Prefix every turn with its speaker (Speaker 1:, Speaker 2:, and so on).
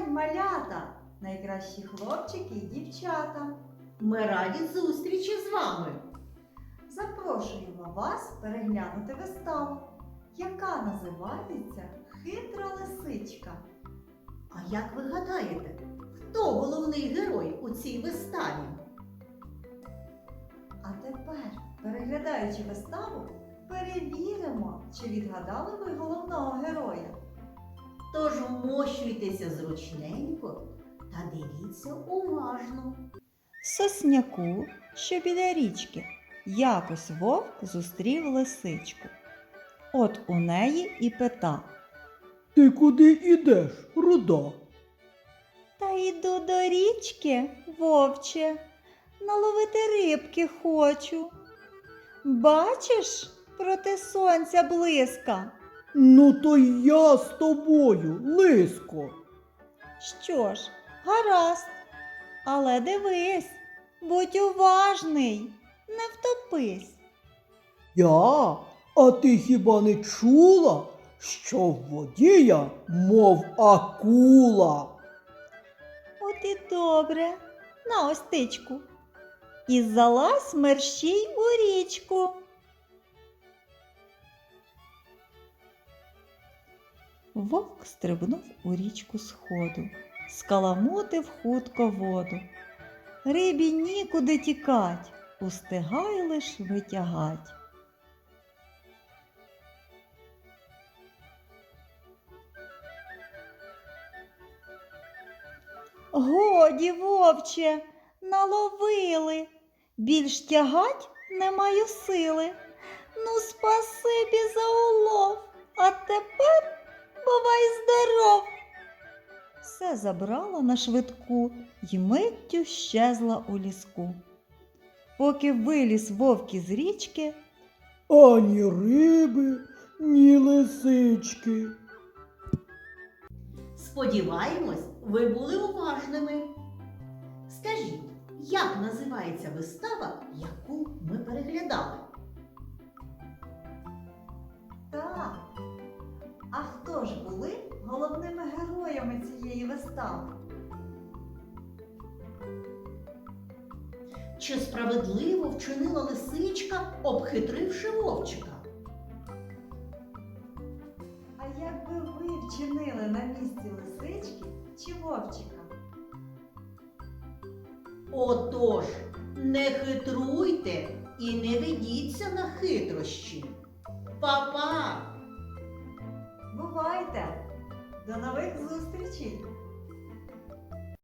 Speaker 1: малята, найкращі хлопчики і дівчата.
Speaker 2: Ми раді зустрічі з вами.
Speaker 1: Запрошуємо вас переглянути виставу, яка називається «Хитра лисичка».
Speaker 2: А як ви гадаєте, хто головний герой у цій виставі?
Speaker 1: А тепер, переглядаючи виставу, перевіримо, чи відгадали ви головного героя.
Speaker 2: Тож вмощуйтеся зручненько та дивіться уважно.
Speaker 1: В сосняку, що біля річки, якось вовк зустрів лисичку. От у неї і пита:
Speaker 3: Ти куди ідеш, руда?
Speaker 1: Та йду до річки, вовче, наловити рибки хочу. Бачиш, проти сонця блиска.
Speaker 3: Ну то й я з тобою, лиско.
Speaker 1: Що ж, гаразд, але дивись, будь уважний, не втопись.
Speaker 3: Я? А ти хіба не чула, що в воді я, мов акула?
Speaker 1: От і добре, на ось тичку. І залазь мерщій у річку. Вовк стрибнув у річку сходу, скаламутив хутко воду. Рибі нікуди тікать, устигай лиш витягать. Годі, вовче, наловили, більш тягать не маю сили. Ну, спасибі за улов, а тепер бувай здоров. Все забрала на швидку й миттю щезла у ліску. Поки виліз вовк із річки,
Speaker 3: Ані риби, ні лисички.
Speaker 2: Сподіваємось, ви були уважними. Скажіть, як називається вистава, яку ми переглядали?
Speaker 1: так, а хто ж були головними героями цієї вистави?
Speaker 2: Чи справедливо вчинила лисичка, обхитривши вовчика?
Speaker 1: А як би ви вчинили на місці лисички чи вовчика?
Speaker 2: Отож, не хитруйте і не ведіться на хитрощі. Па-па!
Speaker 1: Бувайте! До нових зустрічей!